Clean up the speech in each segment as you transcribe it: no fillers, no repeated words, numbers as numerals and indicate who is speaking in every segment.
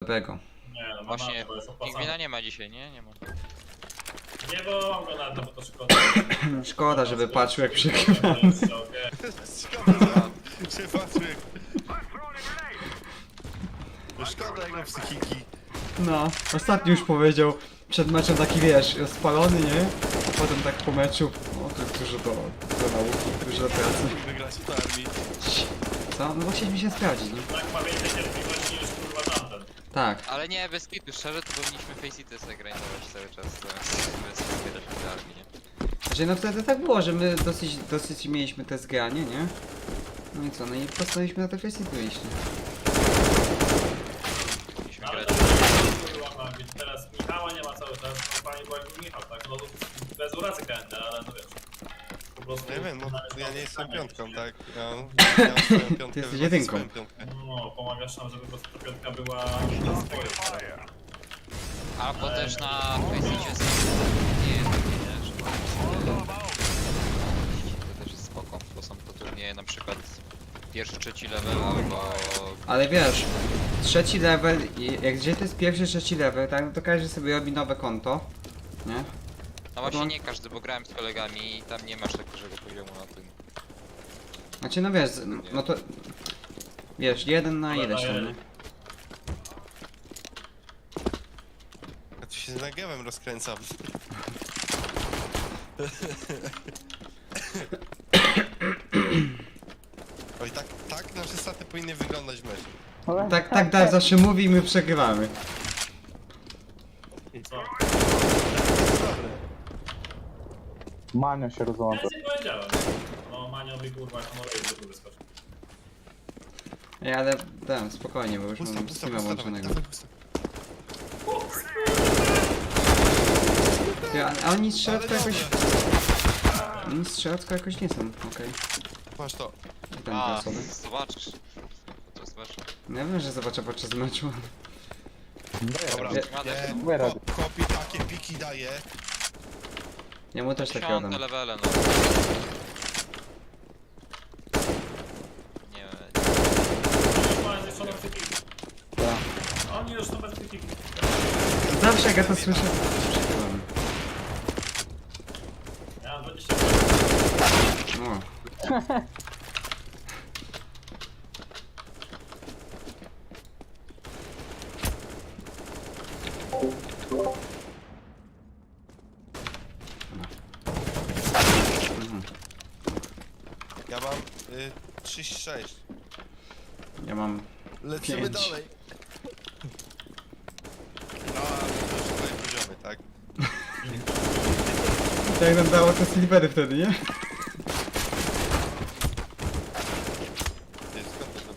Speaker 1: dobrego.
Speaker 2: Nie, no
Speaker 3: Właśnie,
Speaker 2: to jest
Speaker 3: Pingwina
Speaker 2: opłacane.
Speaker 3: nie ma dzisiaj, nie? Nie ma.
Speaker 2: Nie wołam go na to, bo to szkoda.
Speaker 1: Szkoda, żeby patrzył jak przegrywa.
Speaker 2: Okej.
Speaker 4: Szkoda, że patrzył jak... Szkoda jego psychiki.
Speaker 1: No, ostatnio już powiedział przed meczem taki wiesz, spalony, nie? Potem tak po meczu, o to dużo do nauki, dużo do pracy.
Speaker 4: Wygrać w armii.
Speaker 1: Co? No bo chcieliśmy się sprawdzić, nie?
Speaker 2: Tak ma więcej cierpliwości niż kurwa tamten.
Speaker 1: Tak.
Speaker 3: Ale nie, bez kitu, szczerze to powinniśmy Faceity zagranizować cały czas, bez wspierać w armii, nie?
Speaker 1: Znaczy no wtedy tak było, że my dosyć mieliśmy te zgranie, nie? No i co, no i postanowiliśmy na te kwestie iść, nie?
Speaker 3: Powinniśmy
Speaker 2: Ale
Speaker 3: grać.
Speaker 2: to kurwa ma być. Teraz Michała nie ma cały czas, no fajnie było jakby Michał, tak? No bez urazy KND, ale no wiesz. Po prostu...
Speaker 4: Nie wiem, no
Speaker 2: należy
Speaker 4: ja
Speaker 2: tam
Speaker 4: nie jestem
Speaker 2: zostawiać,
Speaker 4: piątką,
Speaker 2: nie?
Speaker 4: tak? Ja mam swoją piątkę.
Speaker 1: Ty jesteś
Speaker 4: wy macie
Speaker 1: jedynką.
Speaker 4: swoją piątkę.
Speaker 2: No, pomagasz nam, żeby po prostu ta piątka była na swoje.
Speaker 3: Albo też na Faceitie są turnieje takie, nie? Że to też jest spoko, bo są to turnieje na przykład pierwszy, trzeci level albo...
Speaker 1: Ale wiesz, trzeci level, jak gdzie to jest pierwszy, trzeci level, tak, no to każdy sobie robi nowe konto, nie?
Speaker 3: No właśnie nie każdy, bo grałem z kolegami i tam nie masz tak dużego poziomu na tym.
Speaker 1: Znaczy no wiesz, no to... Wiesz, jeden na ileś tam, nie?
Speaker 4: Ja tu się z nagewem rozkręcam. Oj, tak nasze staty powinny wyglądać w meczu.
Speaker 1: Tak, zawsze mówi i my przegrywamy.
Speaker 2: Co?
Speaker 4: Dobre.
Speaker 5: Manio się
Speaker 2: Ja
Speaker 5: rozłącza.
Speaker 2: nic nie powiedziałem. No, Maniowi kurwa, honoruje, żeby wyskoczył.
Speaker 1: Ej, ale dam, spokojnie, bo już
Speaker 4: Pusta,
Speaker 1: mam
Speaker 4: pusta,
Speaker 1: Steama
Speaker 4: pusta,
Speaker 1: włączonego.
Speaker 4: dawaj, pusta.
Speaker 1: Ty, a oni strzelecko
Speaker 4: Ale
Speaker 1: jakoś...
Speaker 4: dobra.
Speaker 1: Oni strzelecko jakoś nie są, okej.
Speaker 4: Masz to.
Speaker 1: I tam
Speaker 3: A,
Speaker 1: dwie osoby.
Speaker 3: zobaczysz. To zobaczysz.
Speaker 1: Ja wiem, że zobaczę podczas meczu.
Speaker 4: Dobra,
Speaker 1: Ja-
Speaker 4: kopi takie piki daje.
Speaker 1: Ja mu też takie oddam.
Speaker 3: Piąte levele, no. Nie,
Speaker 2: Już ma zniszczoną psychikę. Oni już są bez psychiki.
Speaker 1: Zawsze jak ja to słyszę, to się przegrywamy.
Speaker 2: Ja mam 20.
Speaker 1: No. Mhm.
Speaker 4: Ja mam 36.
Speaker 1: Ja mam...
Speaker 4: Lecimy
Speaker 1: 5.
Speaker 4: dalej. No, to już twoje poziomy, tak?
Speaker 1: Jak nam dało te silvery wtedy, nie?
Speaker 4: Ty, skąd to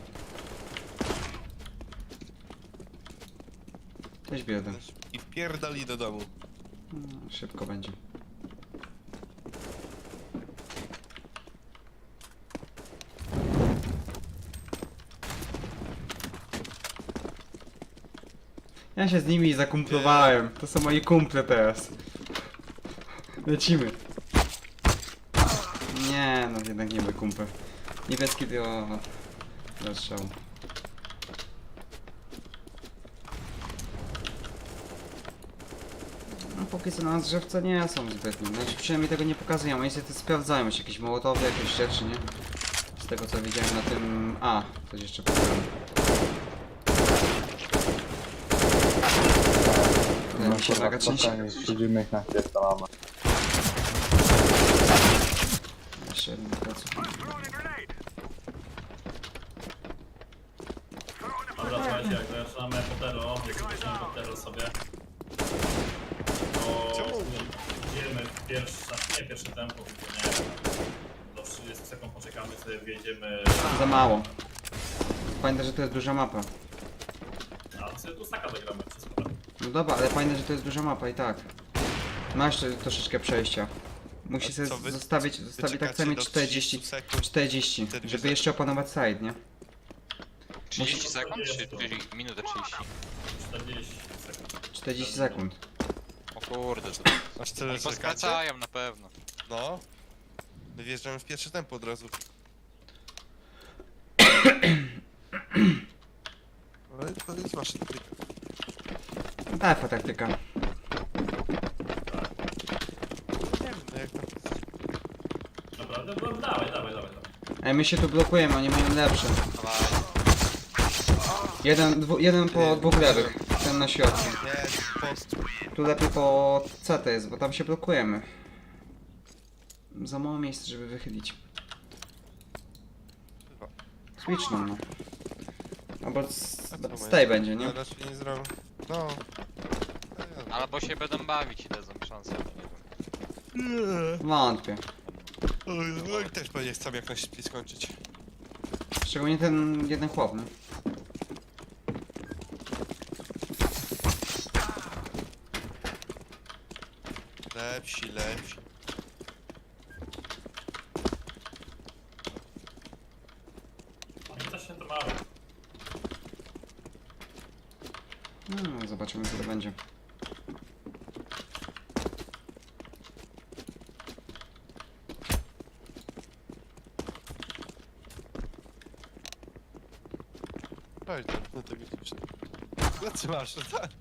Speaker 1: Cześć biedę.
Speaker 4: I wpierdali do domu.
Speaker 1: No, szybko będzie. Ja się z nimi zakumplowałem. To są moi kumple teraz. Lecimy. Nie, no jednak nie my kumple. Niebieski to... Zastrzał. No póki co na nas drzewce nie są zbytnie. Znaczy przynajmniej tego nie pokazują. Oni sobie to sprawdzają, jest jakieś mołotowy, jakieś rzeczy, nie? Z tego co widziałem na tym... A, coś jeszcze pokazałem. Wydaje mi się nagaczyć.
Speaker 5: Siedzimy ich na pierdolamy.
Speaker 1: Jeszcze jeden pracu.
Speaker 2: Dobra, słuchajcie, jak zaczynamy Potero, jak zaczynamy Potero sobie, to
Speaker 4: Czemu?
Speaker 2: idziemy w pierwszy, znaczy nie pierwszy tempo, tylko nie, do 30 sekund poczekamy sobie, wjedziemy,
Speaker 1: Za mało. Pamiętaj, że to jest duża mapa.
Speaker 2: a sobie tu staka zagramy, wszystko tak.
Speaker 1: No dobra, ale pamiętaj, że to jest duża mapa i tak. Masz troszeczkę przejścia. Musi
Speaker 4: A
Speaker 1: sobie
Speaker 4: co wy-
Speaker 1: zostawić tak
Speaker 4: Wyczekacie
Speaker 1: samo
Speaker 4: do
Speaker 1: 40,
Speaker 4: 30 sekund.
Speaker 1: 40,
Speaker 4: Wtedy
Speaker 1: żeby
Speaker 4: wiesz-
Speaker 1: jeszcze opanować side, nie?
Speaker 3: 30 sekund czy minutę 30?
Speaker 2: 40 sekund.
Speaker 1: 40 sekund.
Speaker 3: O kurde, to
Speaker 4: Aż tyle
Speaker 3: oni
Speaker 4: czekacie?
Speaker 3: poskracają na pewno.
Speaker 4: No. My wjeżdżamy w pierwsze tempo od razu. Ale to jest wasze tryk.
Speaker 1: Defa taktyka.
Speaker 4: Nie wiem, no jak tam...
Speaker 2: Dobra, dawaj.
Speaker 1: Ej, my się tu blokujemy, oni mają lepsze.
Speaker 3: Dawaj.
Speaker 1: Jeden po dwóch lewych. Ten na środku.
Speaker 4: Nie, post.
Speaker 1: Tu lepiej po CT jest, bo tam się blokujemy. Za mało miejsca, żeby wychylić. Switch no. Albo z tej będzie, nie?
Speaker 4: No, raczej nie zrobię. No.
Speaker 3: Albo się będą bawić i dadzą szansę, nie wiem.
Speaker 1: Wątpię.
Speaker 4: No i też pewnie chcę jak najszybciej skończyć.
Speaker 1: Szczególnie ten jeden chłop, no.
Speaker 4: Lepsi.
Speaker 2: I coś się to mało.
Speaker 1: Zobaczymy co to będzie.
Speaker 4: Chodź, no to widzisz. No co masz, no tak?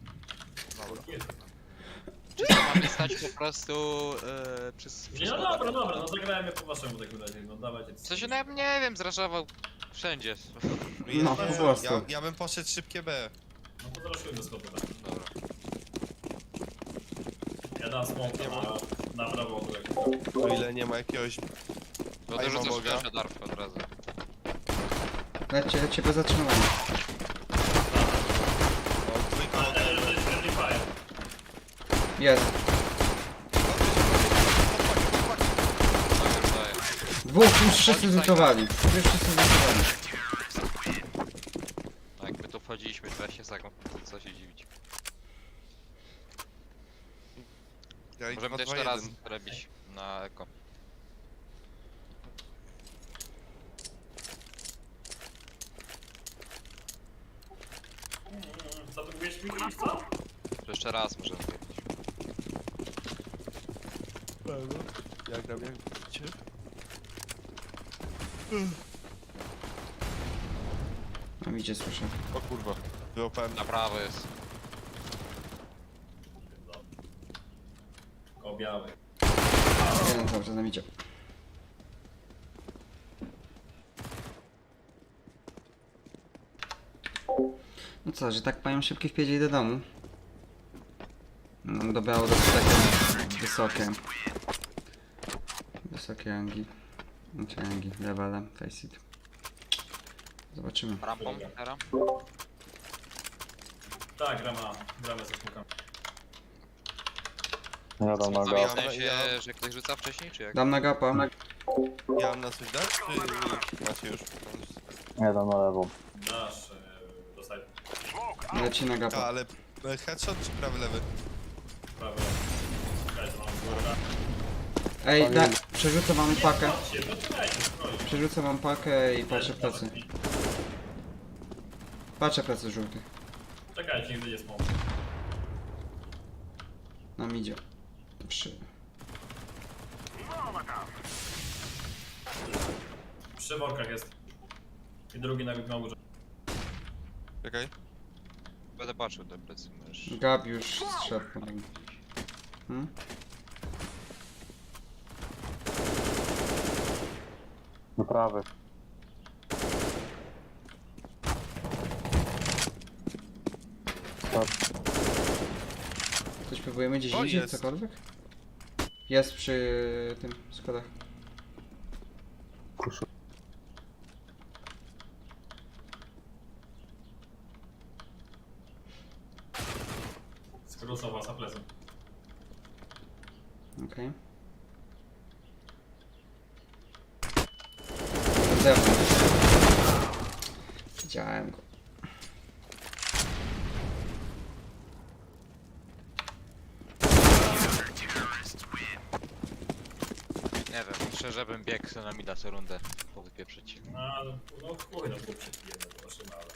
Speaker 3: Czy to mamy stać po prostu przez
Speaker 2: Nie, no dobra, no zagrajmy po waszemu w takim razie, no dawajcie.
Speaker 3: Co się nawet nie wiem, zraszował wszędzie.
Speaker 1: No, po prostu.
Speaker 4: Ja bym poszedł szybkie B.
Speaker 2: No to zraszujmy z kopem.
Speaker 3: Dobra.
Speaker 2: Ja dam smoka na prawo od
Speaker 4: O ile nie ma jakiegoś...
Speaker 3: Bo
Speaker 4: A ja mam
Speaker 3: dorzucasz
Speaker 4: Boga.
Speaker 3: flasha Darf od razu.
Speaker 1: Lecie bez zatrzymania.
Speaker 4: O, dwójka od
Speaker 2: Ale to jest friendly fire.
Speaker 1: Jest.
Speaker 3: Co już daje?
Speaker 1: Dwóch, już wszyscy zlutowali.
Speaker 3: No jakby tu wchodziliśmy 20 sekund, to co się dziwić.
Speaker 4: Ja i
Speaker 3: Możemy
Speaker 4: 2,
Speaker 3: to
Speaker 4: 2,
Speaker 3: jeszcze raz
Speaker 4: 1.
Speaker 3: robić na eko.
Speaker 2: Co ty mówisz mi, co?
Speaker 3: To jeszcze raz możemy zrobić.
Speaker 4: Jak tam, jak widzicie?
Speaker 1: No idzie, słyszę.
Speaker 4: O kurwa, wyłapałem.
Speaker 3: Na prawo jest.
Speaker 2: O biały.
Speaker 1: Jeden cały czas nam idzie. No co, że tak mają szybkie wpiedzie do domu. No dobrało do takie wysokie. Wysokie rangi. Znaczy rangi, levele, face it. Zobaczymy.
Speaker 3: Rampą teraz?
Speaker 2: Tak, gramy ze smokami.
Speaker 5: Ja dam na
Speaker 3: Co,
Speaker 5: gap.
Speaker 3: w sensie, że ktoś rzuca wcześniej, czy jak?
Speaker 1: Dam na gapa.
Speaker 4: Ja mam na coś dać, czy macie już?
Speaker 5: Ja dam na lewą.
Speaker 2: Dasz, dostaj
Speaker 1: Leci na
Speaker 4: A,
Speaker 1: gapa.
Speaker 4: ale headshot czy prawy, lewy?
Speaker 2: prawo. Czekaj, to mam zgorę.
Speaker 1: Ej, da, przerzucę wam pakę.
Speaker 2: Chodźcie, poczekajcie, spokojnie.
Speaker 1: Przerzucę wam pakę i patrzę w plecy. Patrzę plecy żółtych.
Speaker 2: Czekajcie, nie będzie smok.
Speaker 1: Nam idzie. 3.
Speaker 2: Przy workach jest. I drugi na górze.
Speaker 4: Czekaj.
Speaker 3: Będę patrzył do plecy, możesz.
Speaker 1: Gab już strzedł. Hmm?
Speaker 5: Do prawy. Stop.
Speaker 1: Coś próbujemy gdzieś
Speaker 4: O,
Speaker 1: indziej,
Speaker 4: jest.
Speaker 1: cokolwiek? Jest przy tym schodach.
Speaker 5: Kuszu.
Speaker 2: Skrócą was na plecy.
Speaker 1: Okej. Z zewnątrz. Widziałem go.
Speaker 3: Nie wiem, szczerze bym biegł na mida co rundę powypieprzyć.
Speaker 2: No chuj, no chłop się pijemy, zobaczymy, ale...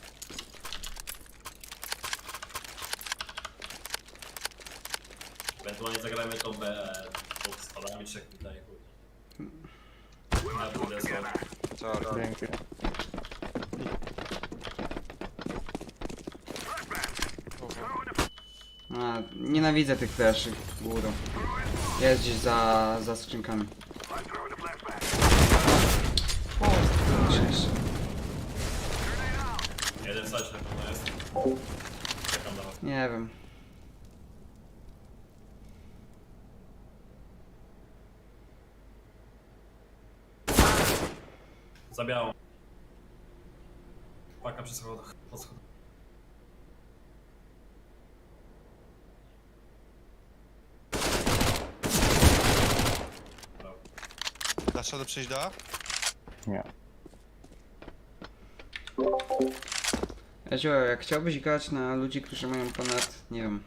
Speaker 2: Ewentualnie zagrajmy tą B pod spadami trzech tutaj, chuj. Na drugie słowo.
Speaker 3: Co?
Speaker 5: Dzięki.
Speaker 1: A, nienawidzę tych fleszy górą. Jest gdzieś za skrzynkami. O, szczęście.
Speaker 2: Jeden sać na pewno jest. Czekam na was.
Speaker 1: Nie wiem.
Speaker 2: Za białą. Paka przy schodach. Pod schodach. Brawo.
Speaker 4: Dasz radę przejść do A?
Speaker 5: Nie.
Speaker 1: Ezio, jak chciałbyś grać na ludzi, którzy mają ponad, nie wiem...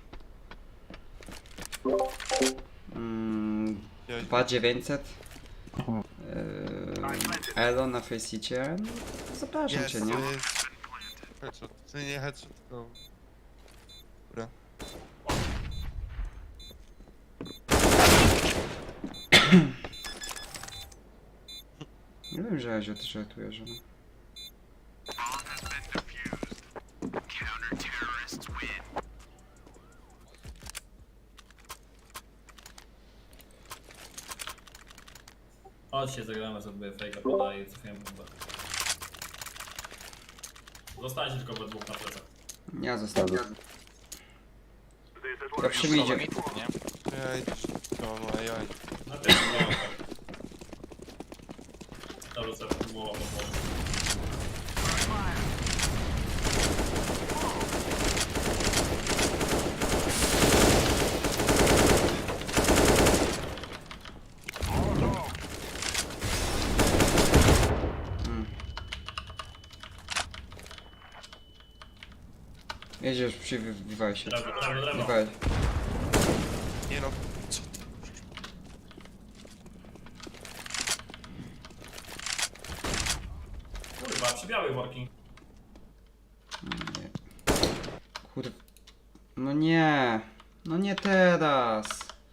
Speaker 1: 2900 Elo na Faceicie, no to zapraszam cię, nie?
Speaker 4: Headshot. To nie headshot, tylko... Dobra.
Speaker 1: Nie wiem, że Ezio ty żartujesz, no.
Speaker 2: Chodźcie, zagramy sobie fejka, podaję i cofiłem bombę. Zostańcie tylko we dwóch na plecach.
Speaker 1: Ja zostawię. Ja przyjdzie.
Speaker 3: Mit, nie?
Speaker 4: Ja idę. No, ja idę.
Speaker 2: Na pierwszym nie mam tak. Dobrze, sobie próbował pomóc.
Speaker 1: Jedziesz, przywywaj się.
Speaker 2: Drewno, drewno, drewno.
Speaker 1: Wywaj.
Speaker 4: Nie no, co ty?
Speaker 2: Kurwa, przy białej worki.
Speaker 1: Nie. Kur... No nie. No nie teraz.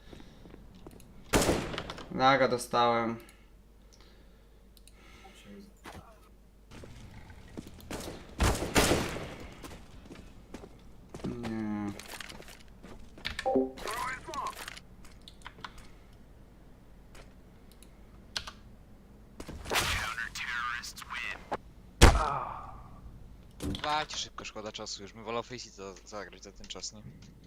Speaker 1: Laga dostałem. Nie.
Speaker 3: Dawajcie szybko, szkoda czasu już. My wolał Faceit zagrać za ten czas, nie?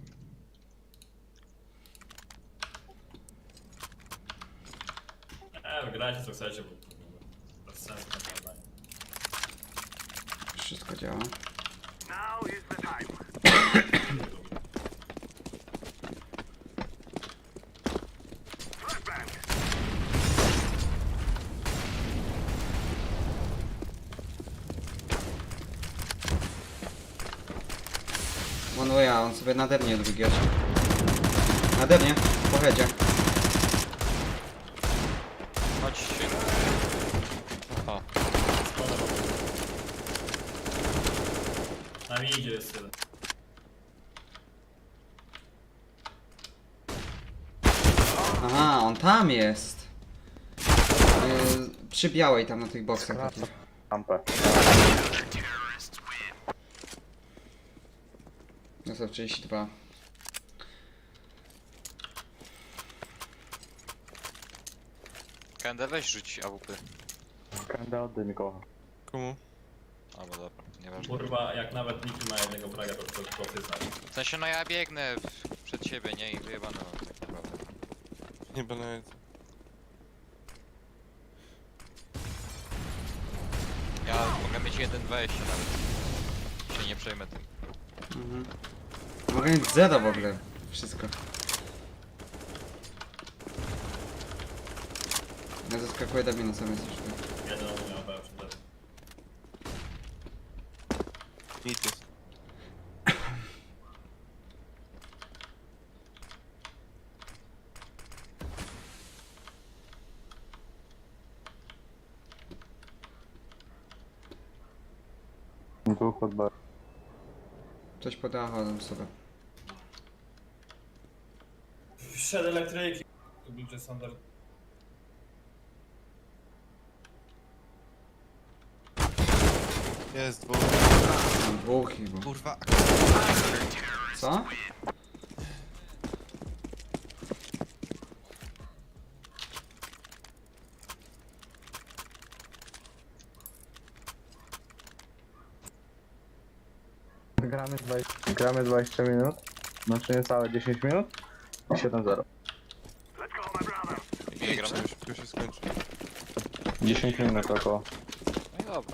Speaker 2: Wygrajcie co chcecie, bo bez sensu naprawdę.
Speaker 1: Wszystko działa. One way, on sobie nade mnie drugi oczy. Nade mnie, po headzie.
Speaker 3: Chodź się. O,
Speaker 2: Skoro. Na mi idzie jest tyle.
Speaker 1: Aha, on tam jest. Przy białej tam na tych boksach takich.
Speaker 5: Rampę.
Speaker 1: Dostał 32.
Speaker 3: KND weź rzuć AWP.
Speaker 5: Kanda oddaj mi kocha.
Speaker 4: Komu?
Speaker 3: Albo dobra, nieważne.
Speaker 2: Kurwa, jak nawet Miki ma jednego fraga, to ty znasz.
Speaker 3: W sensie no ja biegnę przed siebie, nie? I wyjebane mam tak naprawdę.
Speaker 4: Nie będę...
Speaker 3: Ja mogę mieć 1.20 nawet. Się nie przejmę tym.
Speaker 1: Mhm. Mogę mieć zero w ogóle. Wszystko. Ja zaskakuję do mnie sam jesteś.
Speaker 2: Jeden on miał pewnie przed tym.
Speaker 4: Nic jest.
Speaker 5: Tu pod bar.
Speaker 1: Coś podałem sobie.
Speaker 2: Wszedł elektryki. Tu bliżej Sander.
Speaker 4: Jest dwóch.
Speaker 1: Mam dwóch chyba.
Speaker 4: Kurwa.
Speaker 1: Co?
Speaker 5: Gramy 20 minut, znaczy niecałe 10 minut i 7-0.
Speaker 3: Nie gramy?
Speaker 4: Idźcie, szybko się skończy.
Speaker 5: 10 minut około.
Speaker 3: No i dobra.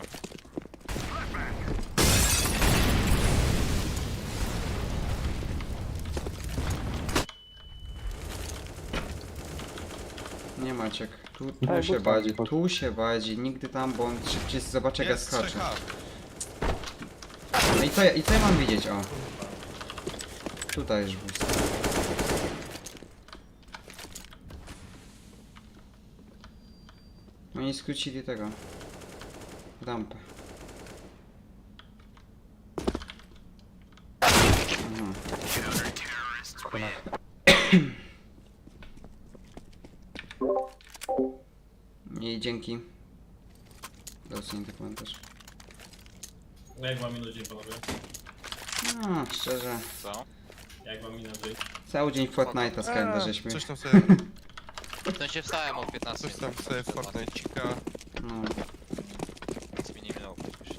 Speaker 1: Nie Maciek. Tu
Speaker 5: Daj,
Speaker 1: się
Speaker 5: busta,
Speaker 1: badzi,
Speaker 5: busta.
Speaker 1: tu się badzi. Nigdy tam, bo on szybciej zobaczy jak ja
Speaker 4: Jest
Speaker 1: skaczę.
Speaker 4: 3H.
Speaker 1: No i co ja mam widzieć? O. Tutaj jest boost. Oni skrócili tego. Rampę. Mhm. I dzięki. Docenię ten komentarz.
Speaker 2: Jak wam minął dzień, panowie?
Speaker 1: No, szczerze.
Speaker 3: Co?
Speaker 2: Jak wam minął dzień?
Speaker 1: Cały dzień Fortnite'a z Kenda żeśmy.
Speaker 4: Coś tam sobie,
Speaker 3: W sensie wstałem o 15
Speaker 4: coś tam sobie w Fortnite'cika.
Speaker 1: No.
Speaker 3: Nic mi nie minęło przecież.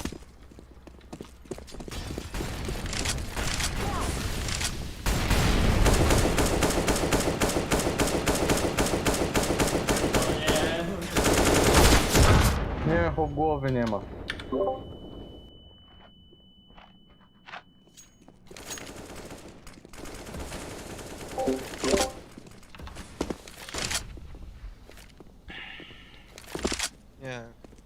Speaker 5: Nie, chłop głowy nie ma.
Speaker 4: Nie.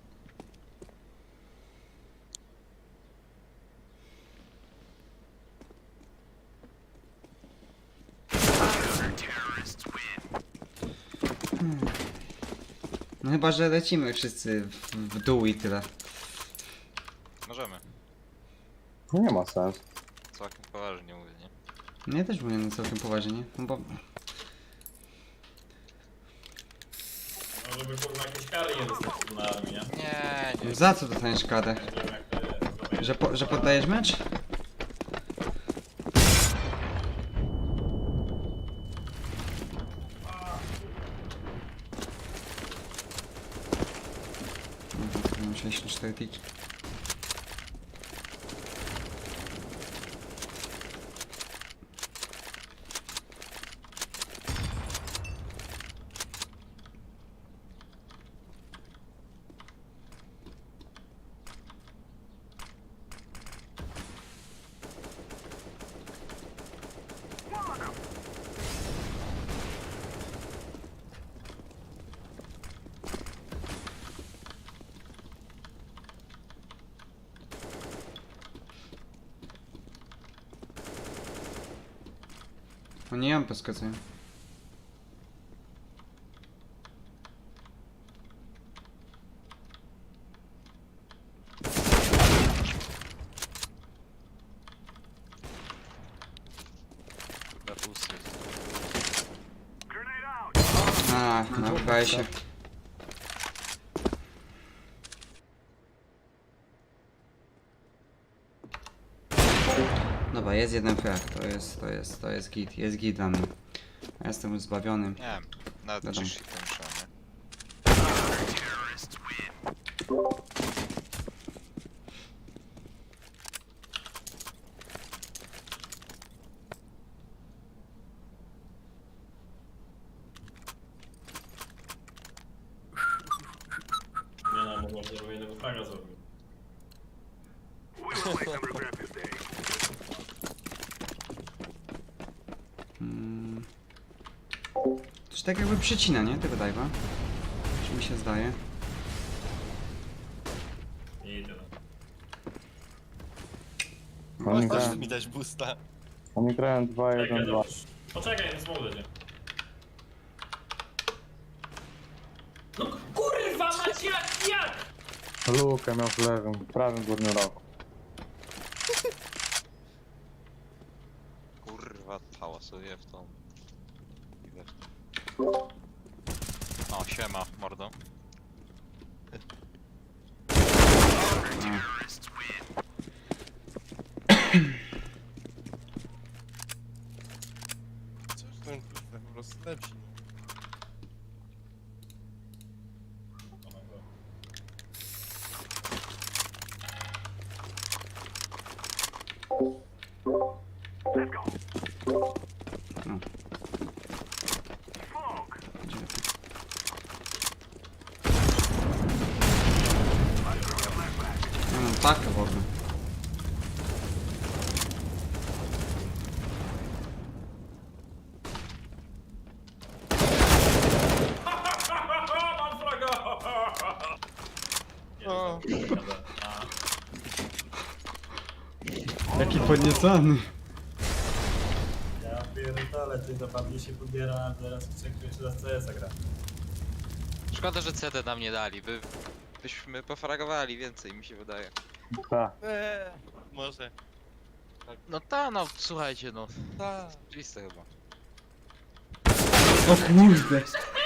Speaker 1: No chyba, że lecimy wszyscy w dół i tyle.
Speaker 3: Możemy.
Speaker 5: No nie ma sensu.
Speaker 3: Całkiem poważnie mówię, nie?
Speaker 1: No ja też mówię no całkiem poważnie, no bo...
Speaker 2: No żeby kurwa jakieś kary nie dostać na armii, nie?
Speaker 3: Nie.
Speaker 1: Za co dostaniesz karę?
Speaker 2: Nie wiem jak to jest.
Speaker 1: Że poddajesz mecz? Mam 64 tick. Oni ją poskacują.
Speaker 3: Dla pusty.
Speaker 1: A, nabrywaj się. Dobra, jest jeden frag, to jest git dla mnie. Ja jestem już zbawiony.
Speaker 3: Nie wiem. Nawet
Speaker 1: Wiadomo.
Speaker 3: 3 shity muszę, nie?
Speaker 2: Nie no, mogłem żeby jednego fraga zrobić.
Speaker 1: Coś tak jakby przycina, nie? Tego dive'a. Czy mi się zdaje?
Speaker 2: I tyle.
Speaker 5: Oni
Speaker 4: Możesz
Speaker 5: grają,
Speaker 4: mi dać boosta.
Speaker 5: oni grają
Speaker 2: Czekaj,
Speaker 5: 2-1-2.
Speaker 2: dobrze. Poczekaj, nie smołdę cię. No kurwa macie jak?
Speaker 5: Lukę miał w lewym, prawym górnym rogu.
Speaker 3: Kurwa, hałasuję w tą... Idę w tą. O, siema, mordo.
Speaker 4: Coś tam kurwa, po prostu lepsi.
Speaker 1: No. Gdzie ty? Tak w ogóle.
Speaker 2: Mam fraga! Nie,
Speaker 4: O.
Speaker 2: dobra.
Speaker 1: Jaki podniecony.
Speaker 2: Ja pierdolę, ty to pewnie się pobiera, teraz jeszcze raz CS gra.
Speaker 3: Szkoda, że CD nam nie dali, byśmy pofragowali więcej, mi się wydaje.
Speaker 5: Tak.
Speaker 4: Może.
Speaker 3: No ta, no słuchajcie, no.
Speaker 4: Ta.
Speaker 3: Oczywiste chyba.
Speaker 1: O kurde.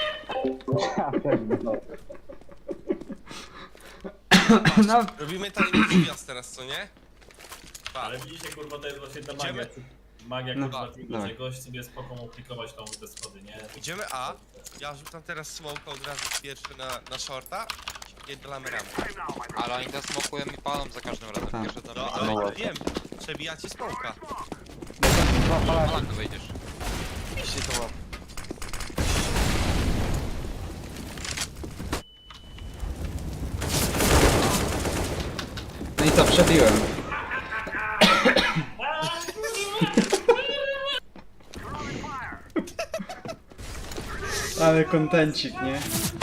Speaker 1: No,
Speaker 4: Robimy tajemniczy gwiazd teraz, co nie?
Speaker 2: Ale widzicie, kurwa, to jest właśnie ta
Speaker 4: Idziemy?
Speaker 2: magia. Magia,
Speaker 1: No,
Speaker 2: kurwa, tego,
Speaker 1: dawaj.
Speaker 2: że gość sobie spoko mógł plikować tą te schody, nie?
Speaker 4: Idziemy A. Ja rzucam teraz smoka od razu pierwszy na shorta. I dolamy ramę.
Speaker 3: Ale oni to smokują i palą za każdym razem.
Speaker 1: Tak.
Speaker 3: Pierwsze to
Speaker 4: No,
Speaker 3: no,
Speaker 4: ale wiem. Przebijacie smoka.
Speaker 3: Polak to wejdziesz.
Speaker 4: Iście to mam.
Speaker 1: no i co, przebiłem. Ale kontencik, nie?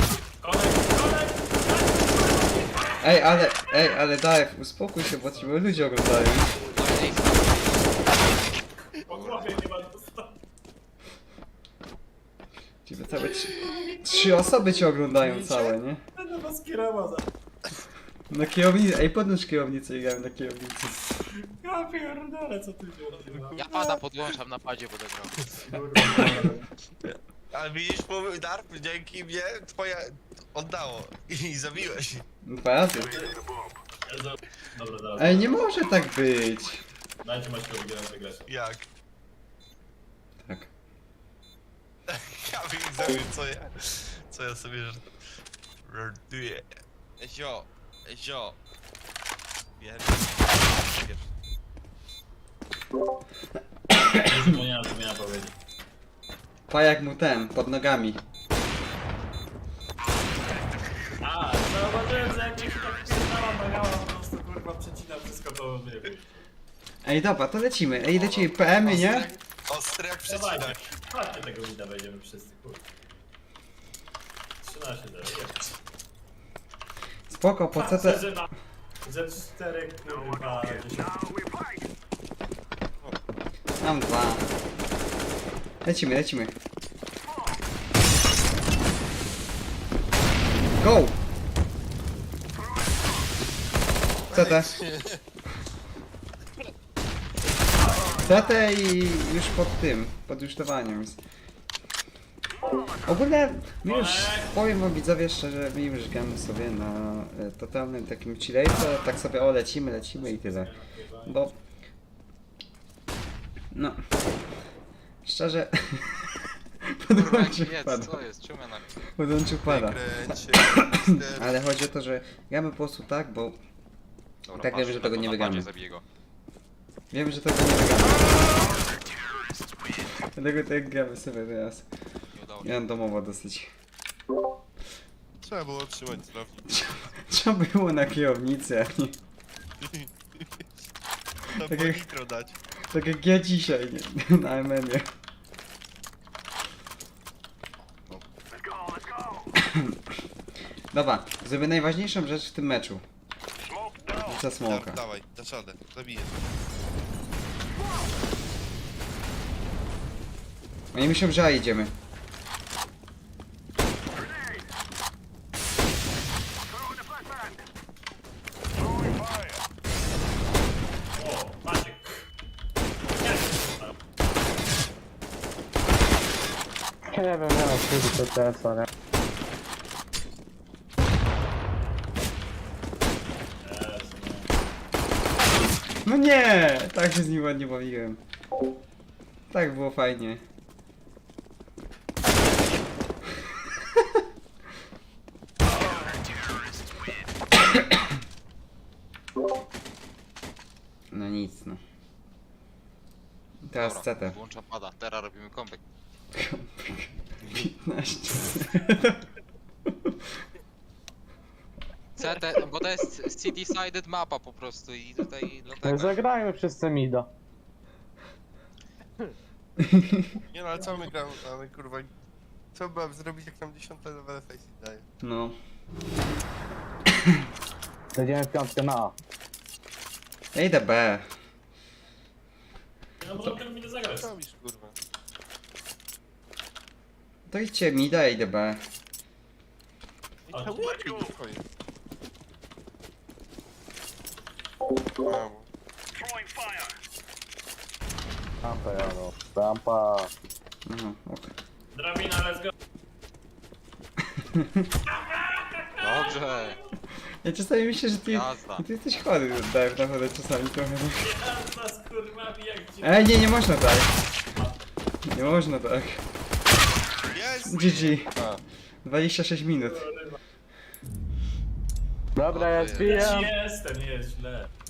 Speaker 1: Ej, ale Dave, uspokój się, bo ci ludzie oglądają.
Speaker 2: Po głowie nie ma dostawy.
Speaker 1: Ciebie całe trzy osoby cię oglądają całe, nie?
Speaker 2: Będę was kierował za...
Speaker 1: Na kierownicy, ej podnóż kierownicę i grałem na kierownicy.
Speaker 2: Ja pierdolę, co tu się odbywa?
Speaker 3: Ja pada podłączam na padzie, będę grał.
Speaker 4: Ale widzisz, Darp, dzięki mnie twoje oddało. I zabiłeś.
Speaker 1: Dwa razy.
Speaker 2: Dobra, zaraz.
Speaker 1: Ej, nie może tak być.
Speaker 2: Dajcie Maćkowi wygrać.
Speaker 4: Jak?
Speaker 1: Tak.
Speaker 4: Ja widzę, co ja sobie żartuję. Ezio, Ezio. Wiem.
Speaker 2: Nie zapomniałem, co miałem powiedzieć.
Speaker 1: Pajak mu ten, pod nogami.
Speaker 2: A, zauważyłem, że jak mi się tak pierdala nagała, po prostu kurwa przecina wszystko, to wyjechać.
Speaker 1: Ej, dobra, to lecimy. Ej, lecimy PM-y, nie?
Speaker 4: Ostry jak przecinak.
Speaker 2: Dawajcie, chodźcie tego wida, wejdziemy wszyscy, kurwa. 13 0, jest.
Speaker 1: Spoko, po co te...
Speaker 2: Ze 4 kurwa 10.
Speaker 1: Mam dwa. Lecimy, lecimy. Go! CT. CT i już pod tym, pod rusztowaniem jest. Ogólnie, my już, powiem wam widzowie szczerze, my już gramy sobie na totalnym takim chillejce, tak sobie o lecimy i tyle. Bo... No... Szczerze... Podłączył
Speaker 3: Jedz,
Speaker 1: pada.
Speaker 3: co jest? Czemu ja na...
Speaker 1: Podłączył pada.
Speaker 4: Kręcie.
Speaker 1: Ale chodzi o to, że gramy po prostu tak, bo
Speaker 3: Dobra,
Speaker 1: Tak wiemy,
Speaker 3: patrz,
Speaker 1: że tego
Speaker 3: na
Speaker 1: nie
Speaker 3: padzie
Speaker 1: wygramy.
Speaker 3: zabiję go.
Speaker 1: wiemy, że tego nie wygramy. Dlatego tak gramy sobie teraz.
Speaker 3: Nie udało się.
Speaker 1: Ja domowo dosyć.
Speaker 4: Trzeba było trzymać celownik.
Speaker 1: Trzeba było na kierownicy, a nie...
Speaker 4: Trzeba
Speaker 1: Tak
Speaker 4: było
Speaker 1: jak-
Speaker 4: nitro dać.
Speaker 1: Tak jak ja dzisiaj, nie? Na MN-ie. Dobra, zrobię najważniejszą rzecz w tym meczu. Rzucę smoka.
Speaker 4: Dawaj, dasz radę, zabiję.
Speaker 1: Oni myślą, że A idziemy.
Speaker 2: O, Maciek.
Speaker 5: Nie wiem, nie mam wtedy to TS-a, nie?
Speaker 1: No nie! Tak się z nim ładnie bawiłem. Tak było fajnie. No nic, no. Teraz
Speaker 3: Dobra,
Speaker 1: CT.
Speaker 3: włączam pada, teraz robimy kąpek.
Speaker 1: 15.
Speaker 3: CT, bo to jest city-sided mapa po prostu i tutaj dlatego...
Speaker 5: Zagrajmy wszyscy mida.
Speaker 4: Nie no, ale co my gramy, mamy kurwa... Co by zrobić, jak nam 10 level face daje?
Speaker 1: No.
Speaker 5: Jedziemy piątkę na A.
Speaker 1: Ja idę B.
Speaker 2: No bo ten mi nie zagrać.
Speaker 4: Co robisz, kurwa?
Speaker 1: To idźcie mida, ja idę B.
Speaker 4: I
Speaker 2: Ale
Speaker 4: to
Speaker 2: to
Speaker 4: ładnie twoje. Brawo.
Speaker 5: Rampa jadą. Rampa.
Speaker 1: Aha, okej.
Speaker 2: Drabina, let's go.
Speaker 3: Dobrze,
Speaker 1: Ja czasami myślę, że ty
Speaker 3: jazda.
Speaker 1: jesteś chory, Dave, naprawdę czasami trochę.
Speaker 2: Jazda z kurwami jak ci...
Speaker 1: Ej, nie można tak. Nie można tak.
Speaker 4: Jest!
Speaker 1: GG.
Speaker 4: A.
Speaker 1: 26 minut.
Speaker 5: Dobra, ja
Speaker 3: Dobrze
Speaker 5: zbijam.
Speaker 2: Jestem, nie jest źle.